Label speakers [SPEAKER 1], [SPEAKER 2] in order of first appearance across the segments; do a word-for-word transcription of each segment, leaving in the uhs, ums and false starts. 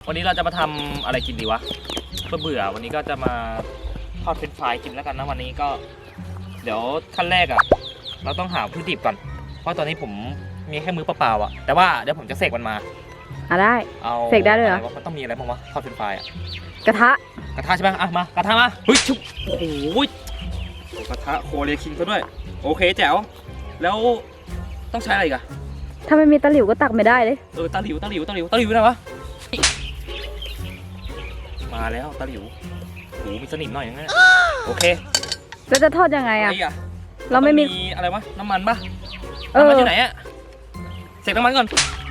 [SPEAKER 1] วันนี้เราจะมาทำอะไรกินดีวะเพื่อเบื่อวันนี้ก็จะมาทอดเฟรนช์ฟรายกินแล้วกันนะวันนี้ก็เดี๋ยวขั้นแรกอ่ะเราต้องหาวัตถุดิบก่อนเพราะตอนนี้ผมมีแค่มือเปล่าๆอ่ะแต่ว่าเดี๋ยวผมจะเสกมันมา
[SPEAKER 2] อ่ะได้
[SPEAKER 1] เอา
[SPEAKER 2] เสกได้เลยเหรอ
[SPEAKER 1] มันต้องมีอะไรบ้างวะทอดเฟรนช์ฟรายอ่ะ
[SPEAKER 2] กระทะ
[SPEAKER 1] กระทะใช่ไหมอ่ะมากระทะมาเฮ้ยชุบโอ้โหกระทะโคเรียคิงก็ด้วยโอเคแจ๋วแล้วต้องใช้อะไรอีกอะ
[SPEAKER 2] ถ้าไม่มีตะหลิวก็ตักไม่ได้เลย
[SPEAKER 1] เออตะหลิวตะหลิวตะหลิวตะหลิวอยู่ไหนวะมาแล้วตะหลิวโหมีสนิมหน่อยอย่างเงี้ยโอเค
[SPEAKER 2] แล้วจะทอดยังไงอะเราไม่มี
[SPEAKER 1] อะไรวะน้ำมันปะน้ำมันอยู่ไหนอะเสกน้ำมันก่อน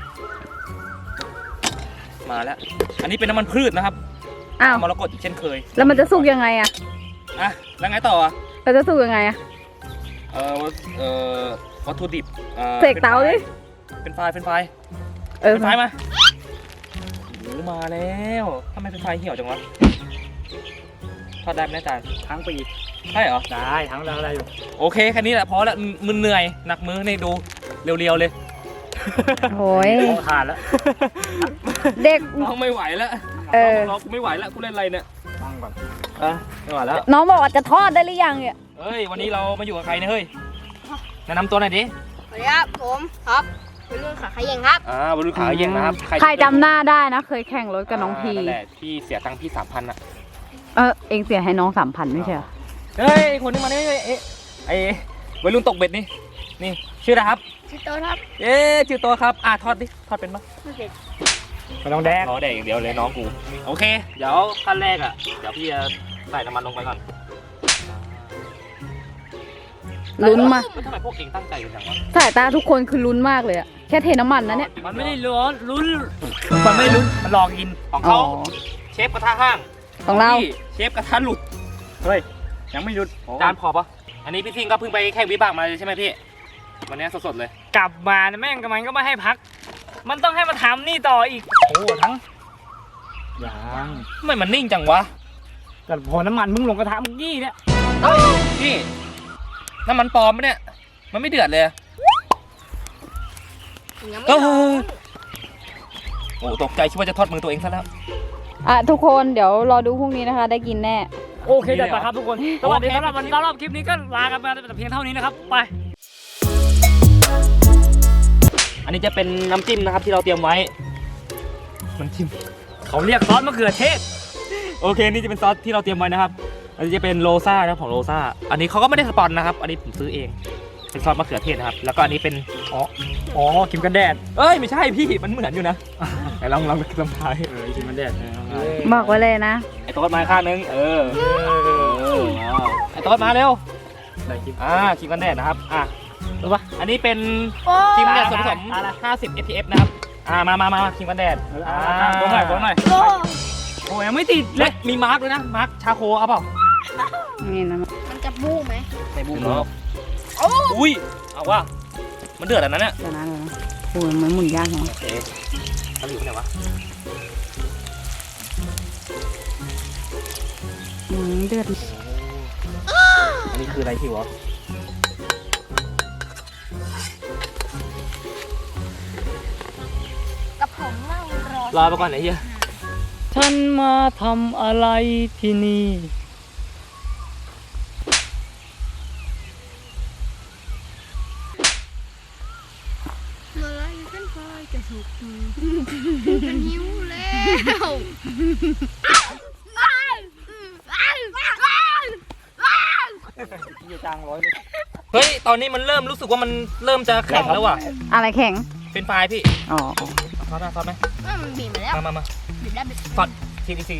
[SPEAKER 1] มาแล้วอันนี้เป็นน้ำมันพืชนะครับ
[SPEAKER 2] อ้าว
[SPEAKER 1] มรกตอีกเช่นเคย
[SPEAKER 2] แล้วมันจะสุกยังไงอะ
[SPEAKER 1] อ่ะแล้วไงต่ออะ
[SPEAKER 2] เราจะสุกยังไงอะ
[SPEAKER 1] เออเออวัตถุดิบ
[SPEAKER 2] เสกเตาดิ
[SPEAKER 1] เป็นไฟเป็นไฟ
[SPEAKER 2] เออ
[SPEAKER 1] เป็นไฟมาโอ้มาแล้วทำไมเป็นไฟเหี่ยวจังวะทอดได้ไหมอาจารย์ทั้งปีใช่เหรอได้ทั้งแล้วได้อยู่โอเคแค่นี้แหละพอแล้วมึนเหนื่อยหนักมือนี่ดูเรียวๆเลย
[SPEAKER 2] โอ้ย
[SPEAKER 1] ขาดแล้ว
[SPEAKER 2] เด็ก
[SPEAKER 1] น้องไม่ไหวแล้ว
[SPEAKER 2] เออ
[SPEAKER 1] น้องไม่ไหวแล้วกูเล่นอะไรเนี่ยตั้งก่อนอ่ะไม่ไหวแล้ว
[SPEAKER 2] น้องบอกว่าจะทอดได้หรือยังเนี่ย
[SPEAKER 1] เฮ้ยวันนี้เรามาอยู่กับใครเนี่ยเฮ้ยแนะนำตัวหน่อยดิ
[SPEAKER 3] สวัสดีครับผมครับวัยรุ่นขาขยงครับ
[SPEAKER 1] อ่าวัยรุ่นขาขยงนะครับ
[SPEAKER 2] ใครจำหน้าได้นะเคยแข่งรถกับน้องพี
[SPEAKER 1] นั่นแหละพี่เสียตังค์พี่สามพันอะ
[SPEAKER 2] เออเองเสียให้น้องสามพันไม่ใช่เหรอ
[SPEAKER 1] เฮ้ยคนนี้มาเนี่ยเอ๊ะไอ้วัยรุ่นตกเบ็ดนี่นี่ชื่ออะไรครับ
[SPEAKER 3] ชื่อโตครับ
[SPEAKER 1] เอ๊ะชื่อโตครับอ่ะทอดดิทอดเป็นปะ
[SPEAKER 3] ไม่เป็น
[SPEAKER 1] ไม่ต้องแดกอ๋อแดกอย่างเดียวเลยน้องกูโอเคเดี๋ยวขั้นแรกอ่ะเดี๋ยวพี่จะใส่น้ำมันลงไปก่อน
[SPEAKER 2] ลุ้นมา
[SPEAKER 1] ทำไมพวกเองตั้งใจกันจังวะ
[SPEAKER 2] สายตาทุกคนคือลุ้นมากเลยอะแค่เทน้ำมันนะเนี่ย
[SPEAKER 1] มันไม่ได้ลุ้นลุ้นมันไม่ลุ้นมันลองกินของเขาเชฟกระทะห้าง
[SPEAKER 2] ของเรา
[SPEAKER 1] เชฟกระทะหลุดเฮ้ยยังไม่หลุดจานพอปะอันนี้พี่ทิงก็เพิ่งไปแข่งวิบากมาใช่ไหมพี่วันนี้สดๆเลย
[SPEAKER 4] กลับมาแม่งกับมันก็ไม่ให้พักมันต้องให้มาทำนี่ต่ออีก
[SPEAKER 1] โอ้ทั้งยังไม่มันนิ่งจังวะ
[SPEAKER 4] แต่พอน้ำมันมึงลงกระทะมึงยี่เนี่ย
[SPEAKER 1] พี่น้ำมันปลอมปะเนี่ยมันไม่เดือดเลยก็โอ้ตกใจคิดว่าจะทอดมือตัวเองซะแล้ว
[SPEAKER 2] อ่ะทุกคนเดี๋ยวรอดูพรุ่งนี้นะคะได้กินแน่
[SPEAKER 4] โอเคจัดไปครับทุกคนสวัสดีสำหรับวันสำหรับคลิปนี้ก็ลากันไปแต่เพียงเท่านี้นะครับไป
[SPEAKER 1] อันนี้จะเป็นน้ำจิ้มนะครับที่เราเตรียมไว้น้ำจิ้ม
[SPEAKER 4] เขาเรียกซอสมะเขือเทศ
[SPEAKER 1] โอเคนี่จะเป็นซอสที่เราเตรียมไว้นะครับอันนี้จะเป็นโรซ่านะของโรซ่าอันนี้เขาก็ไม่ได้สปอนนะครับอันนี้ผมซื้อเองเป็นซอสมะเขือเทศนะครับแล้วก็อันนี้เป็น
[SPEAKER 4] อ๋ออ๋อครีมกันแดด
[SPEAKER 1] เอ้ยไม่ใช่พี่มันเหมือนอยู่นะไหนลองลองลองทาย
[SPEAKER 4] เออครีมกันแดด
[SPEAKER 2] บอกไว้เลยนะ
[SPEAKER 1] ไอ้โต๊ดมาข้างนึงเออไอ้โต๊ดมาเร็วอ่าครีมกันแดดนะครับอ่ะรู้ปะอันนี้เป็นครีมกันแดดส่วนผสมห้าสิบ เอ พี เอฟ นะครับอ่ามามามาครีมกันแดดอ่าโบ้หน่อยโบ้หน่อยโอ้ยยังไม่ติดเล็กมีมาร์กด้วยนะมาร์กชาโคเอาเปล่า
[SPEAKER 2] นี่นะ
[SPEAKER 3] มันจะบู๊ไหม
[SPEAKER 1] ใส่บู๊เนาะอุ้ยเอาว่ามันเดือดอันนั้นเนี่ย
[SPEAKER 2] เดี๋ยวนะเดี๋ยวนะโอ้ยมันหมุนยากจัง
[SPEAKER 1] โอเคเขาอยู่ที่ไหนวะ
[SPEAKER 2] อืมเดือด
[SPEAKER 1] อันนี้คืออะไรที่วะ
[SPEAKER 3] กับผมนั่งรอ
[SPEAKER 1] รอไปก่อนไหนเฮีย
[SPEAKER 4] ฉันมาทำอะไรที่นี่
[SPEAKER 3] เมื่อไรเป็นไฟจะสุกเป็นหิวแล้ว
[SPEAKER 1] เฮ้ยตอนนี้มันเริ่มรู้สึกว่ามันเริ่มจะแข็งแล้วว่ะ
[SPEAKER 2] อะไรแข็ง
[SPEAKER 1] เป็นไฟพี่
[SPEAKER 2] อ๋อ
[SPEAKER 1] ซอสไหมซอสไหม
[SPEAKER 3] มันบีบมาแล้ว
[SPEAKER 1] มามามา
[SPEAKER 3] บีบได้บีบ
[SPEAKER 1] ซอสทีดีซี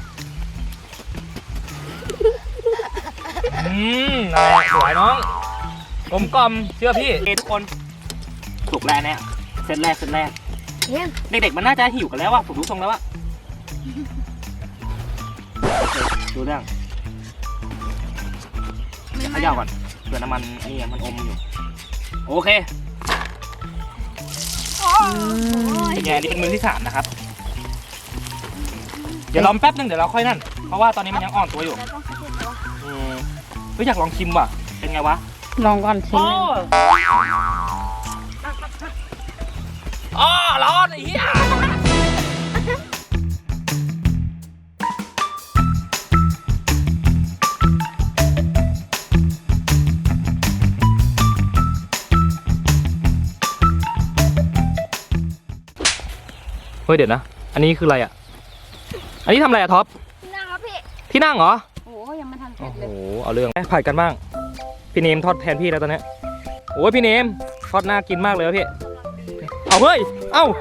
[SPEAKER 1] อืมอะไรสวยน้องกลมกล่อมเชื่อพี่เอทุกคนถูกแล้วเนี่ยเซตแรกเซตแรกเด็กๆมันน่าจะหิวกันแล้วว่ะผมรู้ทรงแล้วว่ะดูเรื่องขย่าก่อนเผื่อน้ำมันนี่มันอมอยู่โอเคเป็นไงนี่เป็นมือที่สามนะครับเดี๋ยวรอแป๊บนึงเดี๋ยวเราค่อยนั่นเพราะว่าตอนนี้มันยังอ่อนตัวอยู่อืมเฮ้ยอยากลองชิมว่ะเป็นไงวะ
[SPEAKER 2] ลองก่อนชิม
[SPEAKER 1] อ๋อร้อนไอ้เหี้ยฮ้ยเดี๋ยวนะอันนี้คืออะไรอ่ะอันนี้ทำอะไรอ่ะท็อป
[SPEAKER 3] นะครับพี่
[SPEAKER 1] ที่นั่งเหรอ
[SPEAKER 2] โอ้ยังไม่ทันเสร็
[SPEAKER 1] โอ้
[SPEAKER 2] จ
[SPEAKER 1] โห
[SPEAKER 2] เลย
[SPEAKER 1] เอาเรื่องผัดกันบ้างพี่เนมทอดแทนพี่แล้วตอนเนี้ยโอ้ยพี่เนมทอดน่ากินมากเลยวะพี่เอาเฮ้ยเอ้า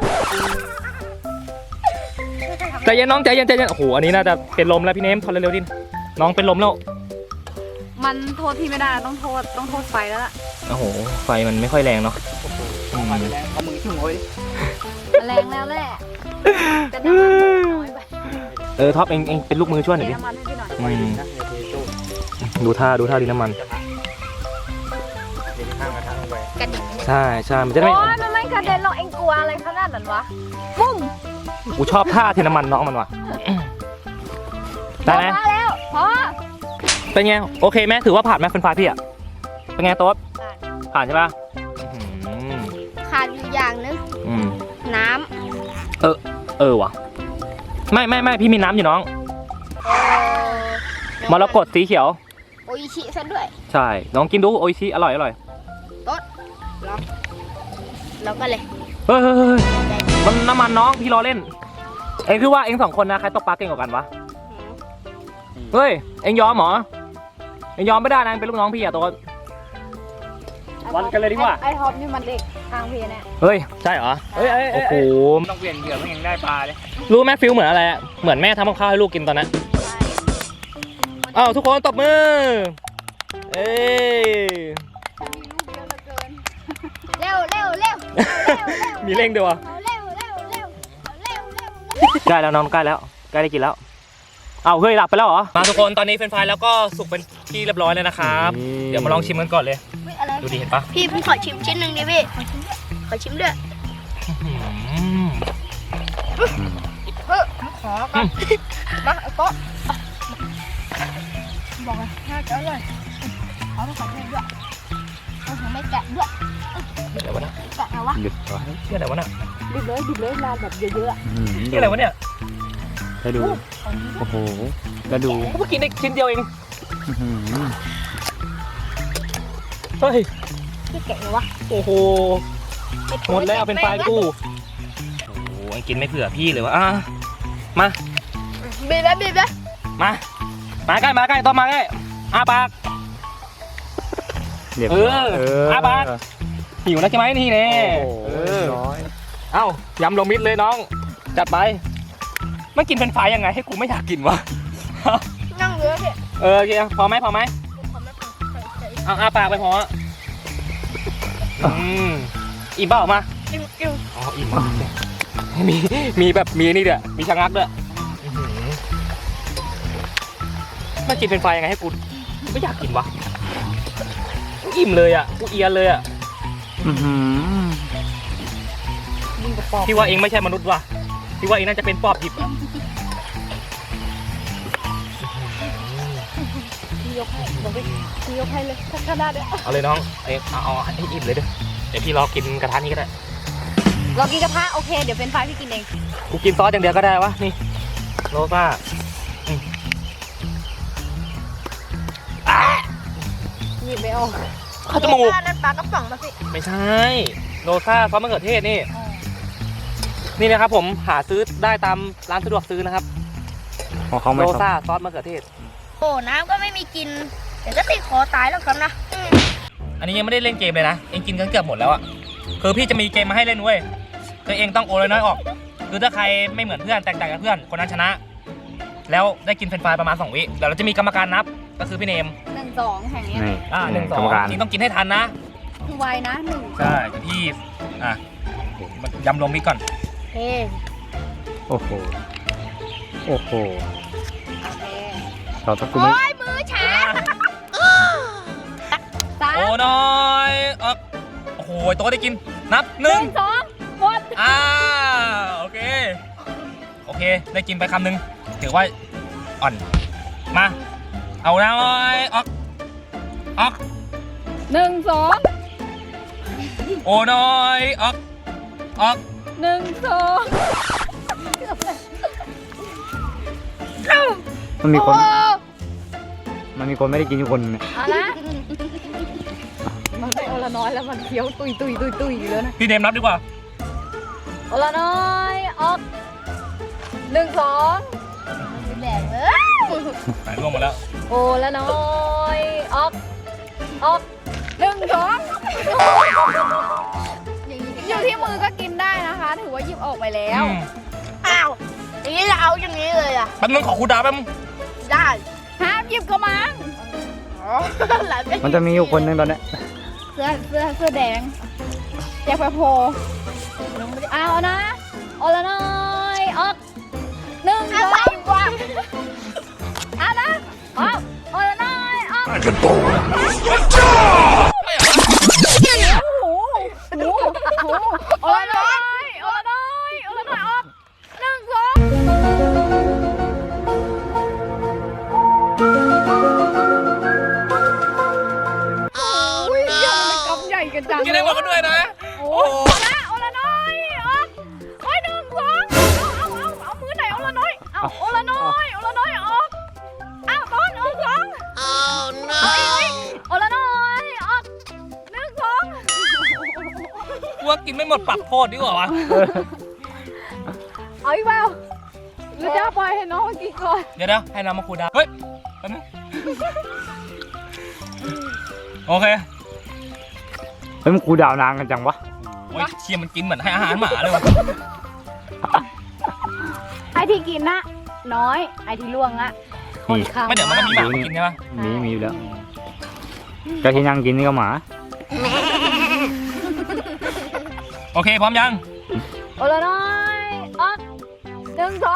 [SPEAKER 1] ใจเย็นน้องใจเย็นใจเย็นโอ้โหอันนี้น่าจะเป็นลมแล้วพี่เนมทอดเร็วๆดิน้องเป็นลมแล้ว
[SPEAKER 2] มันโทษพี่ไม่ได้ต้องโทษต้องโทษไฟแล้วล่ะ
[SPEAKER 1] โอ้โหไฟมันไม่ค่อยแรงเนาะ
[SPEAKER 4] เอาไปแล้วเอามือจุ่มไว้
[SPEAKER 2] แรงแล้วแหละแต่น้ำมันน้อยไป
[SPEAKER 1] เออท็อปเองเองเป็นลูกมือช่วยหน่อย
[SPEAKER 2] เท
[SPEAKER 1] ดิ
[SPEAKER 2] น้ำมันให้พี่หน่อย
[SPEAKER 4] ไม่ดีนะเทโต้
[SPEAKER 1] ดูท่าดูท่าดินน้ำมัน
[SPEAKER 4] เดี๋ยวข้างกระทะลงไป
[SPEAKER 3] กระดิ่ง
[SPEAKER 1] ใช่ใช่มันจะได้
[SPEAKER 2] โอ้
[SPEAKER 1] ไม่
[SPEAKER 2] ยมันไม่กระเด็นหรอกเอ็งกลัวอะไรขนาดนั้นวะปุ้ม
[SPEAKER 1] กูชอบท่าเทน้ำมันน้องมันว่ะได้ไหม
[SPEAKER 2] มาแล้วพอ
[SPEAKER 1] เป็นไงโอเคไหมถือว่าผ่านไหมคุณฟ้าพี่อ่ะเป็นไงโต๊ดผ่านใช่ปะอื้อหือ
[SPEAKER 3] ขาดอยู่อย่างนึง
[SPEAKER 1] อืม
[SPEAKER 3] น้
[SPEAKER 1] เออเออว่ะไม่ไม่ไม่พี่มีน้ำอยู่น้อง
[SPEAKER 3] ำเออ
[SPEAKER 1] มรกตสีเขียว
[SPEAKER 3] โออิชิซะด้วย
[SPEAKER 1] ใช่น้องกินดูโออิชิอร่อยอร่อย
[SPEAKER 3] แล้วก็เลย
[SPEAKER 1] เฮ้ยเฮ้ยเฮ้ยมันน้ำมันน้องพี่รอเล่น เอ็งคือว่าเอ็งสองคนนะใครตกปลาเก่งกว่ากันวะเฮ้ยเอ็งยอมเหรอเอ็งยอมไม่ได้นะเอ็งเป็นลูกน้องพี่อะตัว
[SPEAKER 4] วันกันเลยดีกว่า
[SPEAKER 2] ไอ้ท็อปนี่มันเด็กทางพี่เนี่ย
[SPEAKER 1] เฮ้ยใช่เหรอ
[SPEAKER 4] เฮ้ยเอ้ย
[SPEAKER 1] โอ้
[SPEAKER 4] เอ้ย
[SPEAKER 1] โห
[SPEAKER 4] ต้องเปลี่ยนเหยื่อไม่งั้นได้ปลาเลย
[SPEAKER 1] รู้ไหมฟิลเหมือนอะไรอะเหมือนแม่ทำกับข้าวให้ลูกกินตอนนั้นอ้าวทุกคนตบมือเอ้ย
[SPEAKER 3] เร็วเร็วเร็ว
[SPEAKER 1] มีเร่งด้วยวะ
[SPEAKER 3] เร็วเร็วเร็วเร็วเร็ว
[SPEAKER 1] ใกล้แล้วน้องใกล้แล้วใกล้ได้กินแล้วเอาเฮ้ยหลับไปแล้วเหรอมาทุกคนตอนนี้เฟรนช์ฟรายแล้วก็สุกเป็นที่เรียบร้อยเลยนะครับเดี๋ยวมาลองชิมกันก่อนเลย
[SPEAKER 3] อะไร
[SPEAKER 1] ดูดิเห็นปะ
[SPEAKER 3] พี่พี่ขอชิมชิ้นหนึ่งดิพี่ขอชิมด้วย
[SPEAKER 1] อืม
[SPEAKER 3] เฮ้ยขอก่อนมาเอาโต๊ะบอกเลยน่าจะอร่อยขอต้องขอให้ด้วยเอาของไม่แกะด้วย
[SPEAKER 1] เดี๋ยววะนะ
[SPEAKER 3] แกะเอาวะ
[SPEAKER 4] หยุดก่อน
[SPEAKER 1] นี่อะไรวะน่ะ
[SPEAKER 2] ดิบเลยดิบเลยลานแบบเยอะ
[SPEAKER 1] นี่อะไรวะเนี่ย
[SPEAKER 4] ให้ดูโอ้โหกระดูก
[SPEAKER 1] เมื่อกี้ได้ชิ้นเดียวเองเฮ้ย
[SPEAKER 3] พี่แกะเลยวะ
[SPEAKER 1] โอ้โหหมดแล้วเป็นไฟกูโอ้โหไอ้กินไม่เผื่อพี่เลยวะอ่ะมา
[SPEAKER 3] บีบแล้วบีบแล้ว
[SPEAKER 1] มา มาใกล้มาใกล้ต้องมาใกล้อาปาก
[SPEAKER 4] เรียบ
[SPEAKER 1] เอ
[SPEAKER 4] ร้
[SPEAKER 1] อ
[SPEAKER 4] อยเออ
[SPEAKER 1] อาบาส หิวแล้วใช่ไหมนี่แน่
[SPEAKER 4] โอ้โห
[SPEAKER 1] เออ
[SPEAKER 4] ร้อย
[SPEAKER 1] เอ้ายำลงมิดเลยน้อง จัดไปไม่กินเป็นไฟยังไงให้กูไม่อยากกินวะ
[SPEAKER 3] นั่งเรือพี่
[SPEAKER 1] เออโอเคพอไหมพอไหม
[SPEAKER 3] ขอไม่พอใส่
[SPEAKER 1] เอาอาปากไปพออืมอิ่มเปล่ามา
[SPEAKER 3] จิ้มจิ้ม
[SPEAKER 1] อ๋ออิ่มมากมีมีแบบมีนี่ด้วยมีชะงักด้วยอื้อหือไม่กินเป็นไฟยังไงให้กูไม่อยากกินวะกูอิ่มเลยอ่ะกูเอียนเลยอ่ะ
[SPEAKER 4] อื้อหือ
[SPEAKER 2] ๆยิงกระป๋อง
[SPEAKER 1] พี่ว่าเองไม่ใช่มนุษย์ว่ะพี่ว่าเองน่าจะเป็นปอบหยิบอะ
[SPEAKER 2] พี่ยกให้บอกไปพี่ยกให้เลยถ้าขนาดเนี้ย
[SPEAKER 1] เอาเลยน้องเอ้ยเอาเอาให้อิ่มเลยเด้อเดี๋ยวพี่รอกินกระทะนี้ก็ได้
[SPEAKER 2] เรากินกระทะโอเคเดี๋ยวเป็นไฟพี่กินเอง
[SPEAKER 1] กูกินซอสอย่างเดียวก็ได้วะนี่โรซ่าอืมอ่ะ
[SPEAKER 2] หยิบไม่ออก
[SPEAKER 1] เข้าจมูก
[SPEAKER 3] นั่นปลากระป๋องมาสิ
[SPEAKER 1] ไม่ใช่โรซ่าซอสมะเขือเทศนี่ นี่นะครับผมหาซื้อได้ตามร้านสะดวกซื้อนะครับ
[SPEAKER 4] ของเขาไม่
[SPEAKER 1] โร
[SPEAKER 4] ชอบ
[SPEAKER 1] ซ่าซอสมะเขือเทศ
[SPEAKER 3] โอ้น้ำก็ไม่มีกินเดี๋ยวก็ติดคอตายแล้วครับนะ
[SPEAKER 1] อันนี้ยังไม่ได้เล่นเกมเลยนะเองกินกันเกือบหมดแล้วอะคือพี่จะมีเกมมาให้เล่นเว้ยคือเองต้องโอนน้อยๆออก คือถ้าใครไม่เหมือนเพื่อนแตกต่างจากเพื่อนคนนั้นชนะ แล้วได้กินเฟรนช์ฟรายประมาณสองวิแล้วเราจะมีกรรมการนับก็คือพี่เนม
[SPEAKER 2] หนึ่งสองแห่งเนี้ย
[SPEAKER 4] นี่
[SPEAKER 1] อ่าหนึ่งส
[SPEAKER 4] ก
[SPEAKER 1] อ
[SPEAKER 4] รรมการ
[SPEAKER 1] งนี่ต้องกินให้ทันนะ
[SPEAKER 2] คือไวนะหนึ่ง
[SPEAKER 1] ใช่เดี๋ยวพี่อ่ะยำลงมิดก่อน
[SPEAKER 3] เฮ้
[SPEAKER 4] โอ้โหโอ้โห
[SPEAKER 2] โอเค
[SPEAKER 4] เราต้องกู
[SPEAKER 3] โอ้
[SPEAKER 4] ไม่
[SPEAKER 3] ยมือชา
[SPEAKER 2] สาม
[SPEAKER 1] โอ้น้อยเออโอ้โหโต๊ะได้กินนับห
[SPEAKER 2] ห
[SPEAKER 1] นึ่
[SPEAKER 2] นึ่
[SPEAKER 1] ง
[SPEAKER 2] งสองหมด
[SPEAKER 1] อ่าโอเคโอเคได้กินไปคำหนึ่งถือว่าอ่อนมาเอาน้อยออกออก
[SPEAKER 2] หนึ่งสอง
[SPEAKER 1] โอ้น้อยออกออก
[SPEAKER 2] หนึ่งสอง
[SPEAKER 4] มันมีคน
[SPEAKER 3] โอ้
[SPEAKER 4] มันมีคนไม่ได้กินอยู่คนเนี่ย
[SPEAKER 2] เอาละมันไม่เอาละน้อยแล้วมันเคี้ยวตุยตุยตุยตุยอยู่แล้วนะ
[SPEAKER 1] พี่เนมนับดีกว่า
[SPEAKER 2] เอาละน้อยออกหนึ่งสอง
[SPEAKER 3] แดงเลย
[SPEAKER 1] หายร่วงหมดแล้ว
[SPEAKER 2] โอละน้อยออกออกหนึ่งสองอยู่ที่มือก็กินได้นะคะ ถือว่าหยิบออกไปแล้ว
[SPEAKER 1] อืม
[SPEAKER 3] อ้าวอย่างนี้จะเอาอย่างนี้เลยอ่ะ
[SPEAKER 1] แป๊บนึงขอครูดาวแป๊บนึง
[SPEAKER 3] ได้
[SPEAKER 2] ห้ามหยิบกระมัง
[SPEAKER 3] อ๋อหลานเป็
[SPEAKER 4] มันจะมีอยู่คนหนึงตอนเนี้ย
[SPEAKER 2] เสื้อเสื้อเสื้อแดงแจ็คแปโพเอานะโอละน้อยออกหนึ่งส
[SPEAKER 3] อะ
[SPEAKER 2] อง
[SPEAKER 3] ไรวะ
[SPEAKER 2] เอานะออกโอละน้อยออก โอ้โหโอ้โหโอ้โหโอละน้อยโอละน้อยโอละน้อยออกหนึ่งสองอุ้ยยังมันกำใหญ่กันจัง
[SPEAKER 1] กินได้หมดกันด้วยนะ
[SPEAKER 2] โอ้โหโอละโอละน้อยออกโอ้ยหนึ่งสองเอาเอาเอาเอามือไหนโอละน้อยเอาโอละน้อยโอละน้อยออกเอาต้นเอาสองเอาอีกโอละน้อยออกหนึ่งสอง
[SPEAKER 1] กูว่ากินไม่หมดปรับโทษดีกว่าวะ
[SPEAKER 2] เอาอีกเปล่าหรือจะปล่อยให้น้องกินก่อน
[SPEAKER 1] เดี๋ยวนะให้น้ำมาครูดาวเฮ้ยแป๊บนึงโอเค
[SPEAKER 4] เฮ้ยมันกูดาวนางกันจังวะ
[SPEAKER 1] โอ้ยเชียมันกินเหมือนให้อาหารหมาเลยวะ
[SPEAKER 2] ไอที่กินนะน้อยไอที่ล่วงอะค่อนข้าง
[SPEAKER 1] ไม่เดี๋ยวมันก็มีหมามากินใช่ปะ
[SPEAKER 4] มีมีอยู่แล้วก็ที่นั่งกินนี่ก็หมา
[SPEAKER 1] โอเคพร้อมยัง
[SPEAKER 2] โอละน้อยออกหนึ่งสอง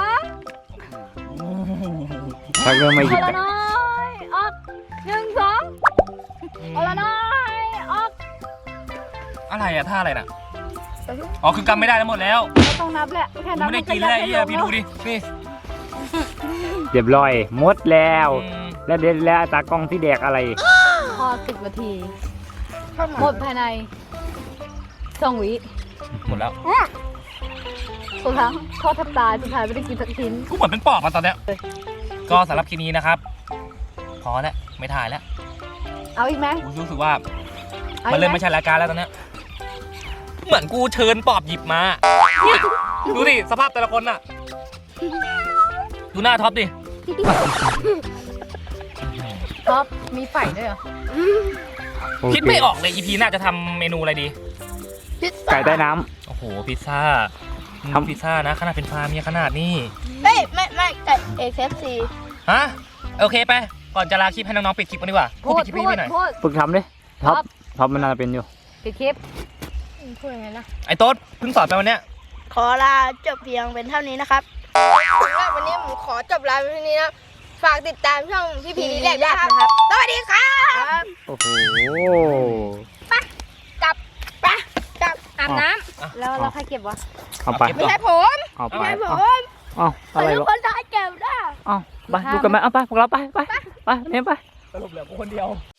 [SPEAKER 4] ถ้าเริ่มไม่ห
[SPEAKER 2] โอ
[SPEAKER 4] ยิบ
[SPEAKER 2] ละน้อยออกหนึ่งสองโอละน้อยออก
[SPEAKER 1] อะไรอะท่าอะไรน่ะอ๋อคือกำไม่ได้ทั้งหมดแล้ว
[SPEAKER 2] ไม่ต้องนับแหละแค่
[SPEAKER 1] กู
[SPEAKER 2] นับ
[SPEAKER 1] ไม่ได้กินแล้วไอ้เหี้ยพี่ดูดินี่
[SPEAKER 4] เรียบร้อยหมดแล้ว
[SPEAKER 1] อืม
[SPEAKER 4] แล้วเด็ดแล้วตากล้องที่แดกอะไร
[SPEAKER 2] พอสิบนาทีหมดภายในสองวิ
[SPEAKER 1] หมดแล้ว
[SPEAKER 2] สุดท้ายทอดทับตายสุดท้ายไม่ได้กินสักชิ้น
[SPEAKER 1] กูเหมือนเป็นปอบมาตอนเนี้ยก็สำหรับคลิปนี้นะครับ พอแล้วไม่ถ่ายแล้ว
[SPEAKER 2] เอาอีกไหม
[SPEAKER 1] กูรู้สึกว่า
[SPEAKER 2] อา
[SPEAKER 1] มัน
[SPEAKER 2] อีก
[SPEAKER 1] เริ่ม
[SPEAKER 2] ไห
[SPEAKER 1] ไม่ใช่รายการแล้วตอนเนี้ยเหมือนกูเชิญปอบหยิบมาเนี่ยดูดิสภาพแต่ละคนน่ะ ดูหน้าท็อปดิ
[SPEAKER 2] ท็อปมีไฝด้วยเหรอ
[SPEAKER 4] โอเค
[SPEAKER 1] คิดไม่ออกเลย อี พี หน่าจะทำเมนูอะไรดี
[SPEAKER 3] พิซ
[SPEAKER 4] ไก่
[SPEAKER 3] ซ่า
[SPEAKER 4] ใต้น้
[SPEAKER 1] โอ้โห พิซซ่า
[SPEAKER 4] ทำ
[SPEAKER 1] ทำพิซซ่านะ ขนาดเป็นฟาร์มมีขนาดนี้
[SPEAKER 3] เฮ้ยไม่ไม่ไก่เอเคฟซี
[SPEAKER 1] ฮะ โอเคไป ก่อนจะลาคลิปให้น้องๆปิดคลิปกันดีกว่า
[SPEAKER 2] พู
[SPEAKER 1] พูด
[SPEAKER 2] ด
[SPEAKER 1] ปิดคลิป
[SPEAKER 2] พู
[SPEAKER 1] ให้
[SPEAKER 2] ด
[SPEAKER 1] พี่หน่อย
[SPEAKER 2] พูด
[SPEAKER 4] ำฝึกทำดิท็อปท็อปมันน่าจะเป็นอยู่
[SPEAKER 2] ปิดคลิป
[SPEAKER 3] พูดยังไงนะ
[SPEAKER 1] ไอ้โต๊ดเพิ่งสอนไปวันเนี้ย
[SPEAKER 3] ขอลาจบเพียงเป็นเท่านี้นะครับสำหรับวันนี้ผมขอจบลาเพียงเท่านี้นะฝากติดตามช่องพี่พีรีแลกด้วยนะครับสวัสดีครับ
[SPEAKER 4] โอ้โห
[SPEAKER 3] กลับไปกลับ
[SPEAKER 2] อาบน้ำแล้วเราใครเก็บวะ
[SPEAKER 4] เอาไป
[SPEAKER 3] ไม่ใช่ผม
[SPEAKER 4] เอาไป
[SPEAKER 3] ไม่ใช่ผ
[SPEAKER 4] เอา
[SPEAKER 3] ม
[SPEAKER 4] เอาอะ
[SPEAKER 3] แต่
[SPEAKER 4] ไร
[SPEAKER 3] ทุก
[SPEAKER 4] วะ
[SPEAKER 3] คนได้เก็บได้
[SPEAKER 4] เอาไปดูกันไหมเอาไปพวกเราไปไปไปเนี่ยไป
[SPEAKER 1] สรุปเหลือกูคนเดียว